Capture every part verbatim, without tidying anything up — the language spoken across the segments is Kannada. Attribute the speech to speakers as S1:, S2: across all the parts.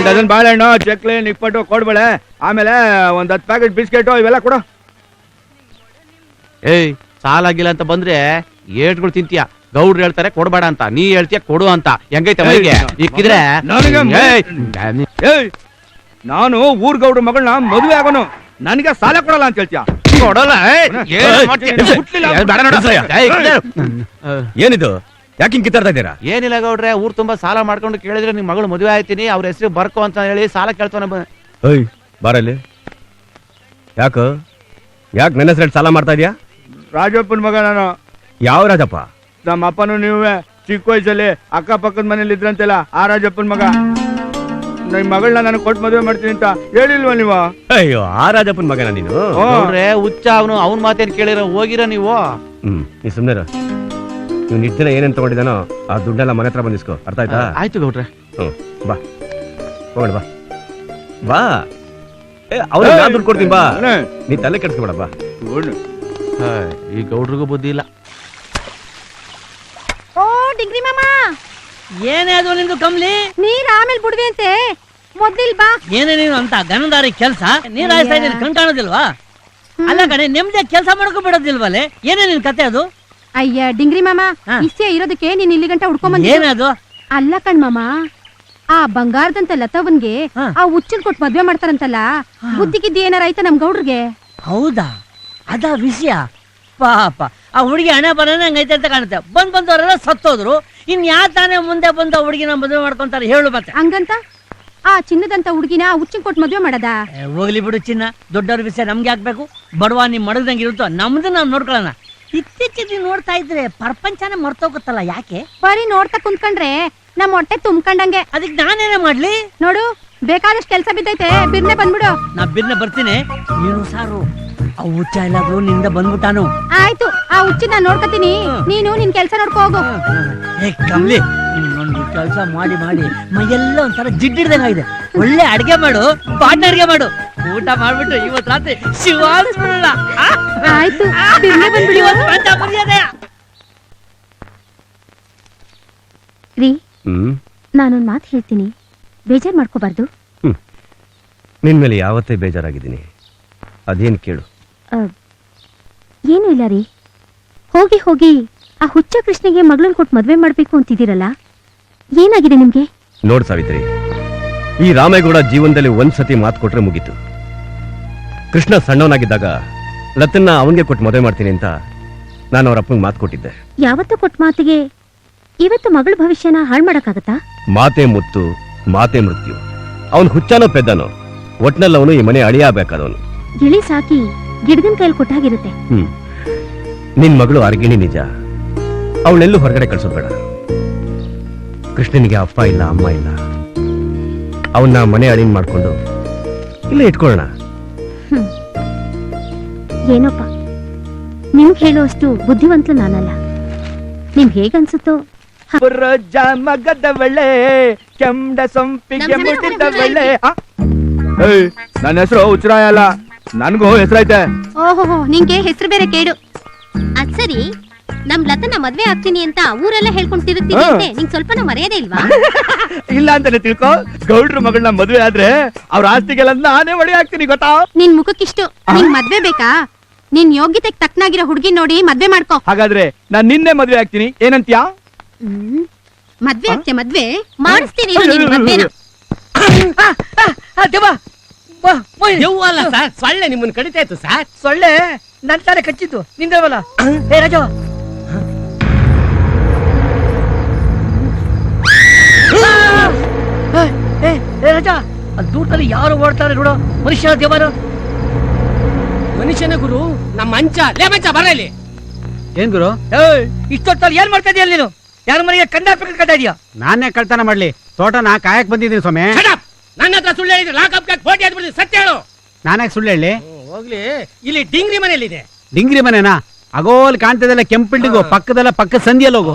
S1: ಒಂದ್ ಡಜನ್ ಬಾಳೆಹಣ್ಣು, ಚಕ್ಲಿ, ನಿಪ್ಪಟ್ಟು ಕೊಡ್ಬೇಳೆ. ಆಮೇಲೆ ಒಂದ್ ಹತ್ತು ಪ್ಯಾಕೆಟ್ ಬಿಸ್ಕೆಟು ಇವೆಲ್ಲ ಕೊಡು.
S2: ಏಯ್ ಸಾಲ ಆಗಿಲ್ಲ ಅಂತ ಬಂದ್ರೆ ಏಟ್ಗಳು ತಿಂತೀಯ. ಗೌಡ್ರು ಹೇಳ್ತಾರೆ ಕೊಡ್ಬೇಡ ಅಂತ, ನೀ ಹೇಳ್ತೀಯ ಕೊಡು ಅಂತ. ಹೆಂಗೈತೆ ಮೈಗೆ ಇಕ್ಕಿದ್ರೆ?
S1: ನಾನು ಊರ್ ಗೌಡ್ರ ಮಗಳನ್ನ ಮದುವೆ ಆಗೋನು, ನನಗೆ ಸಾಲ ಕೊಡಲ್ಲ ಅಂತ ಹೇಳ್ತೀಯ?
S2: ಕೊಡಲ್ಲ.
S3: ಏನಿದು? ಯಾಕೆ ಹಿಂಗ್ ಕಿತ್ತಾಡ್ತಾ ಇದ್ದೀರಾ?
S2: ಏನಿಲ್ಲ ಗೌಡ್ರೆ, ಊರ್ ತುಂಬಾ ಸಾಲ ಮಾಡ್ಕೊಂಡು ಕೇಳಿದ್ರೆ ನಿಮ್ ಮಗಳು ಮದುವೆ ಆಯ್ತೀನಿ, ಅವ್ರ ಹೆಸರು ಬರ್ಕೋ ಅಂತ ಹೇಳಿ ಸಾಲ ಕೇಳ್ತಾನೆ.
S3: ಓಯ್ ಬಾರಲ್ಲಿ. ಯಾಕ ಯಾಕೆ ನನ್ನ ಹೆಸರು ಸಾಲ ಮಾಡ್ತಾ ಇದೀಯಾ?
S1: ರಾಜಪ್ಪನ ಮಗ ನಾನು.
S3: ಯಾವ ರಾಜಪ್ಪ?
S1: ನಮ್ಮ ಅಪ್ಪನು ನೀವೇ ಚಿಕ್ಕ ವಯಸ್ಸಲ್ಲಿ ಅಕ್ಕಪಕ್ಕದ ಮನೇಲಿ ಇದ್ರಂತೆಲ್ಲ ಆ ರಾಜಪ್ಪನ ಮಗ. ನಿಮ್ ಮಗಳನ್ನ ನಾನು ಕೊಟ್ಟು ಮದುವೆ ಮಾಡ್ತೀನಿ ಅಂತ ಹೇಳಿಲ್ವಾ ನೀವು?
S3: ಅಯ್ಯೋ, ಆ ರಾಜಪ್ಪನ ಮಗನ ನೀನು?
S2: ಗೌಡ್ರೆ ಹುಚ್ಚ ಅವನು, ಅವನ್ ಮಾತೇನ್ ಕೇಳಿರ ಹೋಗಿರ ನೀವು?
S3: ಹ್ಮ್ ನೀ ಸುಮ್ನೆ ನೀವು ನಿಟ್ಟಿನ ಏನೇನ್ ತಗೊಂಡಿದ್ದಾನೋ ಆ ದುಡ್ಡೆಲ್ಲ ಮನೆ ಹತ್ರ ಬಂದಿಸ್ಕೋ. ಅರ್ಥ ಆಯ್ತಾ?
S2: ಆಯ್ತು ಗೌಡ್ರೆ.
S3: ಹ್ಮ್ ಬಾ ಹೋಗೋಣ ಬಾ ಬಾ. ಏ ಅವ್ರ ನಾನ್ ದುಡ್ಡು ಕೊಡ್ತೀನಿ ಬಾ, ನೀ ತಲೆ ಕೆಡ್ಸ್ಕೊಬೇಡ ಬಾ.
S2: ಈ ಗೌಡ್ರಿಗೂ ಬುದ್ಧಿ ಇಲ್ಲ.
S4: ಓ ಡಿಂಗ್ರಿ ಮಾಮ,
S5: ಏನೇ ಅದು ನಿಂದು ಕಮ್ಲಿ?
S4: ನೀರ್ ಆಮೇಲೆ ಬಿಡ್ವಿ ಅಂತೆ, ಮೊದ್ಲಿಲ್ ಬಾ.
S5: ಏನೇ ನೀನು ಅಂತ ಗನದಾರಿ ಕೆಲ್ಸ ನೀರ್ ಹಾಯಿಸ್ತಾ ಇದ್ದೀನಿ, ಕಣ್ ಕಾಣೋದಿಲ್ವಾ? ಅಲ್ಲ ಕಣೆ, ನೆಮ್ಮದಿ ಕೆಲಸ ಮಾಡ್ಕೊ ಬಿಡೋದಿಲ್ವಲ್ಲೇ? ಏನೇ ನಿನ್ ಕತೆ ಅದು?
S4: ಅಯ್ಯ ಡಿಂಗ್ರಿ ಮಾಮ, ಇಷ್ಟೇ ಇರೋದಕ್ಕೆ ನೀನ್ ಇಲ್ಲಿ ಗಂಟ ಹುಡ್ಕೊಂಡ್ ಬಂದ.
S5: ಏನದು?
S4: ಅಲ್ಲ ಕಣ್ ಮಾಮ, ಆ ಬಂಗಾರದಂತ ಲತವನ್ಗೆ ಆ ಹುಚ್ಚನ್ ಕೊಟ್ಟು ಮದ್ವೆ ಮಾಡ್ತಾರಂತಲ್ಲ, ಬುದ್ಧಿಗಿದ್ದಿ ಏನಾರ ಆಯ್ತಾ ನಮ್ ಗೌಡ್ರಿಗೆ?
S5: ಹೌದಾ, ಅದ ವಿಷಯ. ಪಾಪ ಆ ಹುಡುಗಿ ಹಣೆ ಬರೋಣ ಹಂಗೈತೆ ಅಂತ ಕಾಣುತ್ತೆ. ಬಂದ್ ಬಂದವರೆಲ್ಲ ಸತ್ತೋದ್ರು, ಇನ್ ಯಾ ತಾನೇ ಮುಂದೆ ಬಂದ ಹುಡುಗಿನ ಮದುವೆ ಮಾಡ್ಕೊಂತಾರೆ ಹೇಳು ಮತ್ತೆ?
S4: ಹಂಗಂತ ಆ ಚಿನ್ನದಂತ ಹುಡುಗಿನ ಆ ಹುಚ್ಚನ್ ಕೊಟ್ಟು ಮದ್ವೆ ಮಾಡದ?
S5: ಹೋಗ್ಲಿ ಬಿಡು ಚಿನ್ನ, ದೊಡ್ಡವ್ರ ವಿಷಯ ನಮ್ಗೆ ಹಾಕ್ಬೇಕು. ಬಡವ ನಿಮ್ ಮಡಗ್ದಂಗೆ ಇರುತ್ತೋ, ನಮ್ದು ನಾವ್ ನೋಡ್ಕೊಳ್ಳೋಣ. ಇತ್ತೀಚೆಗೆ ನೋಡ್ತಾ ಇದ್ರೆ ಪ್ರಪಂಚನೇ ಮರ್ತೋಗುತ್ತಲ್ಲ, ಯಾಕೆ?
S4: ಬರೀ ನೋಡ್ತಾ ಕುಂತ್ಕೊಂಡ್ರೆ ನಮ್ ಹೊಟ್ಟೆ ತುಂಬ್ಕೊಂಡಂಗೆ.
S5: ಅದಕ್ಕೆ ನಾನೇನೇ ಮಾಡ್ಲಿ?
S4: ನೋಡು, ಬೇಕಾದಷ್ಟು ಕೆಲ್ಸ ಬಿದ್ದೈತೆ, ಬಿರ್ನೆ ಬಂದ್ಬಿಡು.
S5: ನಾ ಬಿರ್ನೆ ಬರ್ತೀನಿ, ನೀನು ಸಾರು. ಆ ಹುಚ್ಚ ಎಲ್ಲಾದ್ರು ನಿಂದ ಬಂದ್ಬಿಟ್ಟಾನು.
S4: ಆಯ್ತು, ಆ ಹುಚ್ಚಿ ನಾನ್ ನೋಡ್ಕತೀನಿ, ನೀನು ನಿನ್ ಕೆಲ್ಸ ನೋಡ್ಕೋ ಹೋಗು.
S5: ಏ ಕಮ್ಲಿ, ಇನ್ನೊಂದು ಕೆಲಸ ಮಾಡಿ ಮಾಡಿ ಮೈಯೆಲ್ಲ ಒಂಥರ ಜಿಡ್ಡಿಡ್ದಂಗಾಗಿದೆ. ಒಳ್ಳೆ ಅಡ್ಗೆ ಮಾಡು, ಬಾಟ್ನ ಅಡ್ಗೆ ಮಾಡು, ಊಟ ಮಾಡ್ಬಿಟ್ಟು ಇವತ್ ರಾತ್ರಿ ಶಿವಾಲಿಸ್ಬಿಡೋಣ.
S4: ಆಯ್ತು, ಬಿರ್ನೆ ಬಂದ್ಬಿಡಿ. ರೀ, ನಾನೊಂದ್ ಮಾತು ಹೇಳ್ತೀನಿ, ಬೇಜಾರ್ ಮಾಡ್ಕೋಬಾರ್ದು.
S3: ನಿನ್ ಮೇಲೆ ಯಾವತ್ತೇ ಬೇಜಾರಾಗಿದ್ದೀನಿ, ಅದೇನ್ ಕೇಳು.
S4: ಏನು ಇಲ್ಲ ರೀ, ಹೋಗಿ ಹೋಗಿ ಆ ಹುಚ್ಚ ಕೃಷ್ಣಗೆ ಮಗಳನ್ನ ಕೊಟ್ಟು ಮದ್ವೆ ಮಾಡ್ಬೇಕು ಅಂತಿದ್ದೀರಲ್ಲ, ಏನಾಗಿದೆ ನಿಮ್ಗೆ?
S3: ನೋಡ್ ಸಾವಿತ್ರಿ, ಈ ರಾಮೇಗೌಡ ಜೀವನದಲ್ಲಿ ಒಂದ್ಸತಿ ಮಾತು ಕೊಟ್ರೆ ಮುಗೀತು. ಕೃಷ್ಣ ಸಣ್ಣವನಾಗಿದ್ದಾಗ ಲತನ್ನ ಅವನ್ಗೆ ಕೊಟ್ಟು ಮದುವೆ ಮಾಡ್ತೀನಿ ಅಂತ ನಾನು ಅವ್ರ ಅಪ್ಪಂಗೆ ಮಾತು ಕೊಟ್ಟಿದ್ದೆ.
S4: ಯಾವತ್ತು ಕೊಟ್ಟ ಮಾತಿಗೆ ಇವತ್ತು ಮಗಳ ಭವಿಷ್ಯನ ಹಾಳು ಮಾಡಕ್ಕಾಗತ್ತಾ?
S3: ಮಾತೆ ಮುತ್ತು, ಮಾತೆ ಮೃತ್ಯು. ಅವನ್ ಹುಚ್ಚಾನೋ ಪೆದ್ದನೋ, ಒಟ್ನಲ್ಲಿ ಅವನು ಈ ಮನೆ ಅಳಿಯಾಗಬೇಕಾದವನು.
S4: ಗಿಳಿ ಸಾಕಿ ಗಿಡಗನ್ ಕೈಲಿ ಕೊಟ್ಟಾಗಿರುತ್ತೆ.
S3: ಹ್ಮ್ ನಿನ್ ಮಗಳು ಅರ್ಗಿಣಿ ನಿಜ, ಅವಳೆಲ್ಲೂ ಹೊರಗಡೆ ಕಳ್ಸೋದ್ ಬೇಡ. ಕೃಷ್ಣನಿಗೆ ಅಪ್ಪ ಇಲ್ಲ, ಅಮ್ಮ ಇಲ್ಲ. ಅವನ್ನ ಮನೆ ಅಳಿನ್ ಮಾಡ್ಕೊಂಡು ಇಲ್ಲೇ ಇಟ್ಕೊಳ್ಳೋಣ.
S4: ಏನೋಪ್ಪ, ನಿಮ್ಗೆ ಹೇಳುವಷ್ಟು ಬುದ್ಧಿವಂತಲು ನಾನಲ್ಲ. ನಿಮ್ಗೆ ಹೇಗನ್ಸುತ್ತೋ.
S1: ಮಗದವಳೆ ಕೆಂಡ ಸೊಂಪಿಗೆ ಮುಟ್ಟಿದವಳೆ. ನನ್ನ ಹೆಸರು ಹುಚ್ಚರಾಯ ಅಲ್ಲ, ನನ್ಗೂ ಹೆಸರೈತೆ.
S4: ಓಹೋ, ನಿಂಗೆ ಹೆಸರು ಬೇರೆ ಕೇಡು. ಅದ್ ಸರಿ, ನಮ್ ಲತನ ಮದ್ವೆ ಆಗ್ತೀನಿ ಅಂತ ಊರೆಲ್ಲ ಹೇಳ್ಕೊಂಡು ತಿರುಗ್ತೀನಿ ಅಂತೆ, ನಿಂಗ್ ಸ್ವಲ್ಪ ಮರ್ಯಾದೆ ಇಲ್ವಾ?
S1: ಇಲ್ಲ ಅಂತಾನೆ ತಿಳ್ಕೊ. ಗೌಡ್ರ ಮಗಳನ್ನ ಮದ್ವೆ ಆದ್ರೆ ಅವ್ರ ಆಸ್ತಿಗೆಲ್ಲ ನಾನೇ ಒಡೆ ಹಾಕ್ತೀನಿ, ಗೊತ್ತಾ?
S4: ನಿನ್ ಮುಖಕ್ಕಿಷ್ಟು ನಿಂಗ್ ಮದ್ವೆ ಬೇಕಾ? ನಿನ್ ಯೋಗ್ಯತೆಗೆ ತಕ್ಕನಾಗಿರೋ ಹುಡುಗಿ ನೋಡಿ ಮದ್ವೆ ಮಾಡ್ಕೋ.
S1: ಹಾಗಾದ್ರೆ ನಾನ್ ನಿನ್ನೆ ಮದ್ವೆ ಆಗ್ತೀನಿ, ಏನಂತ್ಯಾ?
S4: ಹ್ಮ್, ಮದ್ವೆ ಆಗ್ತೆ ಮದ್ವೆ ಮಾಡಿಸ್ತೀನಿ ಮದ್ವೆನ.
S5: ಅಲ್ಲ ಸರ್, ಸೊಳ್ಳೆ ನಿಮ್ಮನ್ನ ಕಡಿತಾ ಇತ್ತು ಸರ್. ಸೊಳ್ಳೆ ನನ್ ತಾರೆ ಕಚ್ಚಿತ್ತು, ನಿಂದವಲ್ಲ. ಏ ರಾಜ, ರಾಜ, ಅದು ದೂರದಲ್ಲಿ ಯಾರು ಓಡ್ತಾರೆ ನೋಡು. ಮನುಷ್ಯ ದೇವರ ಮನುಷ್ಯನ ಗುರು, ನಮ್ಮ ಮಂಚ ಲೇ ಮಂಚ ಬರ ಇಲ್ಲಿ.
S2: ಏನ್ ಗುರು?
S5: ಇಷ್ಟೊತ್ತಲ್ಲಿ ಏನ್ ಮಾಡ್ತಾ ಇದೀಯ ನೀನು? ಯಾರ ಮನೆಗೆ ಕಂದಾಪಕ್ಕೆ ಕಟ್ತಾ ಇದೀಯ?
S2: ನಾನೇ ಕಳ್ತನ ಮಾಡ್ಲಿ? ತೋಟನ ಕಾಯಕ್ ಬಂದಿದ್ದೀನಿ ಸ್ವಾಮಿ.
S5: ನನ್ನ ಹತ್ರ ಸುಳ್ಳು ಹೇಳಿದ್ರೆ ಲಾಕಪ್ ಫೋಟೋ ಹಾಕ್ಬಿಡ್ತೀನಿ, ಸತ್ಯ ಹೇಳು.
S2: ನಾನೇ ಸುಳ್ಳು ಹೇಳಿ?
S5: ಹೋಗ್ಲಿ, ಇಲ್ಲಿ ಡಿಂಗ್ರಿ ಮನೆಯಲ್ಲಿದೆ.
S2: ಡಿಂಗ್ರಿ ಮನೆನಾ? ಅಗೋಲ್ ಕಾಣ್ತದಲ್ಲ ಕೆಂಪು ಬಿಲ್ಡಿಂಗು, ಪಕ್ಕದಲ್ಲ ಪಕ್ಕ ಸಂಧಿಯಲ್ಲಿ ಹೋಗು.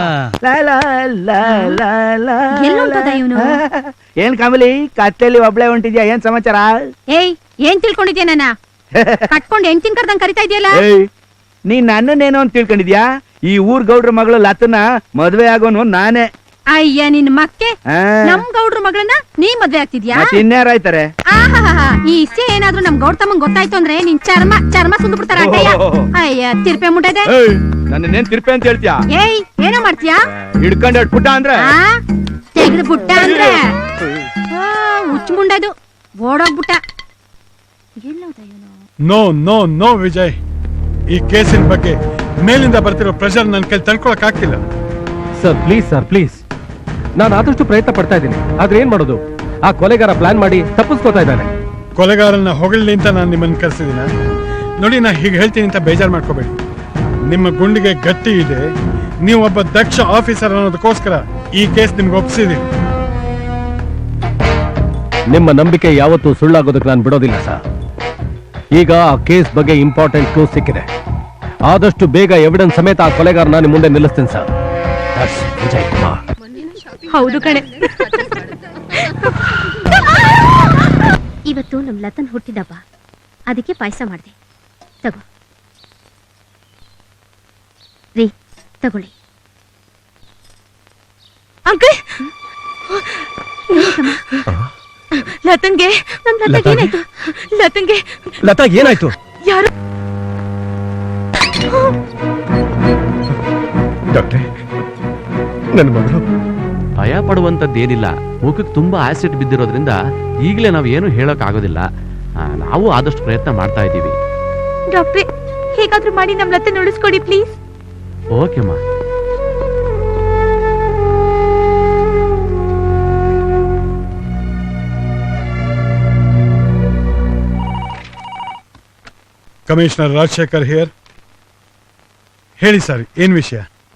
S1: ಏನ್ ಕಮಲಿ, ಕತ್ತೆಯಲ್ಲಿ ಒಬ್ಳೆ ಹೊಂಟಿದ್ಯಾ? ಏನ್ ಸಮಾಚಾರ?
S4: ಏಯ್, ಏನ್ ತಿಳ್ಕೊಂಡಿದ್ಯಾ? ನನ್ನ ಕಟ್ಕೊಂಡು ಹೆಂಡ್ತಿನ್ ಕರ್ದಂಗ್ ಕರಿತಾ ಇದೆಯಲ್ಲ.
S1: ನೀ ನನ್ನನ್ನೇನೋ ಅಂತ ತಿಳ್ಕೊಂಡಿದ್ಯಾ? ಈ ಊರ್ ಗೌಡ್ರ ಮಗಳು ಲತನ ಮದ್ವೆ ಆಗೋನು ನಾನೇ.
S4: ಅಯ್ಯ ನಿನ್ ಮಕ್ಕೆ ನಮ್ ಗೌಡ್ರ ಮಗಳನ್ನ ನೀ ಮದ್ವೆ ಆಗ್ತಿದ್ಯಾ
S1: ಇನ್ಯಾರಾಯ್ತಾರೆ?
S4: ಆಹಾಹಾ, ಈ ಇಷ್ಟೇ ಏನಾದ್ರೂ ನಮ್ ಗೌಡ್ ತಮ್ಮಂಗ್ ಗೊತ್ತಾಯ್ತು ಅಂದ್ರೆ ನಿನ್ ಚರ್ಮ ಚರ್ಮ ಸುಂದು ಬಿಡ್ತಾರ ಅಡ್ಡಯ್ಯ. ಅಯ್ಯ ತಿರ್ಪೆ ಮುಟ್ಟದೆ.
S1: ನನ್ನೇನ್ ತಿರ್ಪೆ ಅಂತ ಹೇಳ್ತೀಯಾ?
S4: ಏಯ್ ಏನೋ ಮಾಡ್ತೀಯಾ?
S1: ಹಿಡ್ಕೊಂಡ್ ಎರಡು ಪುಟ್ಟ ಅಂದ್ರೆ
S4: ತೆಗೆದು ಬುಟ್ಟ ಅಂದ್ರೆ ಹುಚ್ಚ ಮುಂಡದು ಓಡೋಗ್ಬಿಟ್ಟ.
S6: ನೋ ನೋ ನೋ ವಿಜಯ್, ಈ ಕೇಸಿನ ಬಗ್ಗೆ ಮೇಲಿಂದ ಬರ್ತಿರೋ ಪ್ರೆಷರ್ ನನ್ನ ಕೈ ತಡ್ಕೊಳಕ್ ಆಗ್ತಿಲ್ಲ.
S3: ಸರ್ ಪ್ಲೀಸ್ ಸರ್ ಪ್ಲೀಸ್, ನಾನು ಆದಷ್ಟು ಪ್ರಯತ್ನ ಪಡ್ತಾ ಇದ್ದೀನಿ, ಆದ್ರೆ ಏನ್ ಮಾಡೋದು, ಆ ಕೊಲೆಗಾರ ಪ್ಲಾನ್ ಮಾಡಿ ತಪ್ಪಿಸ್ಕೋತಾ ಇದ್ದಾನೆ.
S6: ಕೊಲೆಗಾರನ್ನ ಹೊಗಳ್ಲಿ ಅಂತ ನಾನು ನಿಮ್ಮನ್ನ ಕರೆಸಿದಿನ? ನೋಡಿ, ನಾ ಹೀಗೆ ಹೇಳ್ತೀನಿ ಅಂತ ಬೇಜಾರು ಮಾಡ್ಕೋಬೇಡಿ. ನಿಮ್ಮ ಗುಂಡಿಗೆ ಗಟ್ಟಿ ಇದೆ, ನೀವು ಒಬ್ಬ ದಕ್ಷ ಆಫೀಸರ್ ಅನ್ನೋದಕ್ಕೋಸ್ಕರ ಈ ಕೇಸ್ ನಿಮ್ಗೆ ಒಪ್ಪಿಸಿದೀನಿ.
S3: ನಿಮ್ಮ ನಂಬಿಕೆ ಯಾವತ್ತೂ ಸುಳ್ಳಾಗೋದಕ್ಕೆ ನಾನು ಬಿಡೋದಿಲ್ಲ ಸರ್. ಈಗ ಆ ಕೇಸ್ ಬಗ್ಗೆ ಇಂಪಾರ್ಟೆಂಟ್ ಕ್ಲೂಸ್ ಸಿಕ್ಕಿದೆ, ಆದಷ್ಟು ಬೇಗ ಎವಿಡೆನ್ಸ್ ಸಮೇತ ಆ ಕೊಲೆಗಾರನ ನಿಮ್ಮ ಮುಂದೆ ನಿಲ್ಲಿಸ್ತೀನಿ ಸರ್. ವಿಜಯ್ ಕುಮಾರ್.
S4: ಹೌದು ಕಣೆ. ಇವತ್ತು ನಮ್ ಲತನ್ ಹುಟ್ಟಿದಬ್ಬ, ಅದಕ್ಕೆ ಪಾಯಸ ಮಾಡಿದೆ. ತಗೋ ರೀ, ತಗೊಳ್ಳಿ. ಅಂಕಲ್, ಲತನ್ಗೆ ನಮ್ ಲತನ್ಗೆ ಏನಾಯ್ತು? ಲತನ್ಗೆ
S3: ಲತಾ ಏನಾಯ್ತು?
S4: ಯಾರು?
S3: ಡಾಕ್ಟ್ರೆ, ನನ್ನ ಮಗಳು.
S2: ಭಯ ಪಡುವಂತದ್ದೇನಿಲ್ಲ, ಮುಖಕ್ಕೆ ತುಂಬಾ ಆಸಿಡ್ ಬಿದ್ದಿರೋದ್ರಿಂದ ಈಗಲೇ ನಾವು ಏನು ಹೇಳಕ್ ಆಗೋದಿಲ್ಲ. ಆ, ನಾವು ಆದಷ್ಟು ಪ್ರಯತ್ನ ಮಾಡ್ತಾ ಇದ್ದೀವಿ.
S4: ಡಾಕ್ಟ್ರೆ, ಹೇಗಾದ್ರೂ ಮಾಡಿ ನಮ್ ಲತನ್ ಉಳಿಸ್ಕೊಡಿ ಪ್ಲೀಸ್.
S2: ಓಕೆಮ್ಮ.
S6: Commissioner Rajashekhar here. ಹೇಳಿ ಸರ್, ಏನ್ ವಿಷಯ?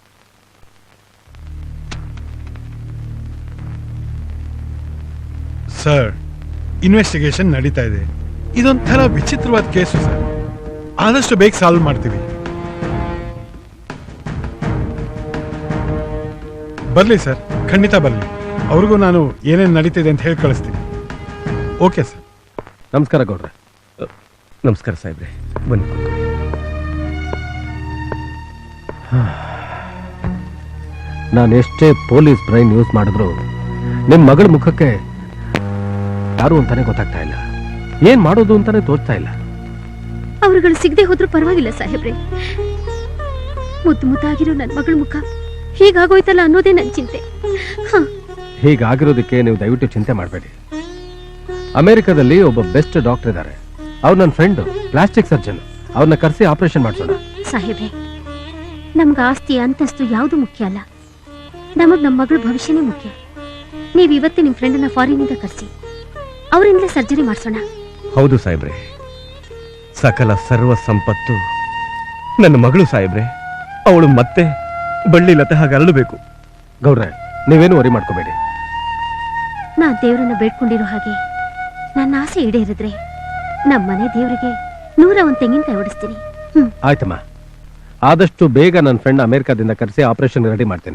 S6: ಸರ್, ಇನ್ವೆಸ್ಟಿಗೇಷನ್ ನಡೀತಾ ಇದೆ. ಇದೊಂಥರ ವಿಚಿತ್ರವಾದ ಕೇಸು ಸರ್, ಆದಷ್ಟು ಬೇಗ ಸಾಲ್ವ್ ಮಾಡ್ತೀವಿ. ಬರ್ಲಿ ಸರ್, ಖಂಡಿತ ಬರ್ಲಿ. ಅವ್ರಿಗೂ ನಾನು ಏನೇನು ನಡೀತಿದೆ ಅಂತ ಹೇಳಿ ಕಳಿಸ್ತೀನಿ. Okay sir.
S3: ನಮಸ್ಕಾರ ಗೌಡ್ರೆ. ನಮಸ್ಕಾರ ಸಾಹೇಬ್ರೆ, ಬನ್ನಿ. ನಾನು ಎಷ್ಟೇ ಪೊಲೀಸ್ ಬ್ರೈನ್ ಯೂಸ್ ಮಾಡಿದ್ರು ನಿಮ್ ಮಗಳ ಮುಖಕ್ಕೆ ಯಾರು ಅಂತಾನೆ ಗೊತ್ತಾಗ್ತಾ ಇಲ್ಲ, ಏನ್ ಮಾಡೋದು ಅಂತಾನೆ ತೋಚ್ತಾ ಇಲ್ಲ.
S4: ಅವರುಗಳು ಸಿಗದೆ ಹೋದ್ರೂ ಪರವಾಗಿಲ್ಲ ಸಾಹೇಬ್ರೆ, ಮುದ್ದು ಮುದ್ದಾಗಿರೋ ನನ್ ಮಗಳ ಮುಖ ಹೀಗಾಗೋಯ್ತಲ್ಲ ಅನ್ನೋದೇ ನನ್ ಚಿಂತೆ.
S3: ಹೀಗಾಗಿರೋದಕ್ಕೆ ನೀವು ದಯವಿಟ್ಟು ಚಿಂತೆ ಮಾಡಬೇಡಿ. ಅಮೆರಿಕದಲ್ಲಿ ಒಬ್ಬ ಬೆಸ್ಟ್ ಡಾಕ್ಟರ್ ಇದ್ದಾರೆ, ಅವ್ರು ನನ್ನ ಫ್ರೆಂಡ್, ಪ್ಲಾಸ್ಟಿಕ್ ಸರ್ಜನ್. ಅವ್ರನ್ನ ಕರೆಸಿ ಆಪರೇಷನ್ ಮಾಡಿಸೋಣ.
S4: ಸಾಹೇಬ್ರೆ, ನಮ್ಗೆ ಆಸ್ತಿ ಅಂತಸ್ತು ಯಾವುದು ಮುಖ್ಯ ಅಲ್ಲ, ನಮಗ್ ನಮ್ಮ ಮಗಳ ಭವಿಷ್ಯನೇ ಮುಖ್ಯ. ನೀವ್ ಇವತ್ತೇ ನಿಮ್ ಫ್ರೆಂಡನ್ನ ಫಾರಿನಿಂದ ಕರೆಸಿ ಅವರಿಂದಲೇ ಸರ್ಜರಿ ಮಾಡಿಸೋಣ.
S3: ಹೌದು ಸಾಹೇಬ್ರೆ, ಸಕಲ ಸರ್ವ ಸಂಪತ್ತು ನನ್ನ ಮಗಳು ಸಾಹೇಬ್ರೆ. ಅವಳು ಮತ್ತೆ ಬಳ್ಳಿ ಲತೆ ಹಾಗೆ ಅರಳಬೇಕು. ಗೌಡ್ರೆ, ನೀವೇನು ವರಿ ಮಾಡ್ಕೋಬೇಡಿ.
S4: ನಾ ದೇವ್ರನ್ನ ಬೇಡ್ಕೊಂಡಿರೋ ಹಾಗೆ ನನ್ನ ಆಸೆ ಈಡೇರಿದ್ರೆ ನಮ್ಮನೆ ದೇವರಿಗೆ ನೂರ ಒಂದ್ ತೆಂಗಿನಕಾಯಿ ಓಡಿಸ್ತೀನಿ.
S3: ಆಯ್ತಮ್ಮ, ಆದಷ್ಟು ಬೇಗ ನನ್ನ ಫ್ರೆಂಡ್ ಅಮೆರಿಕಾದಿಂದ ಕರೆಸಿ ಆಪರೇಷನ್ ರೆಡಿ ಮಾಡ್ತೀನಿ.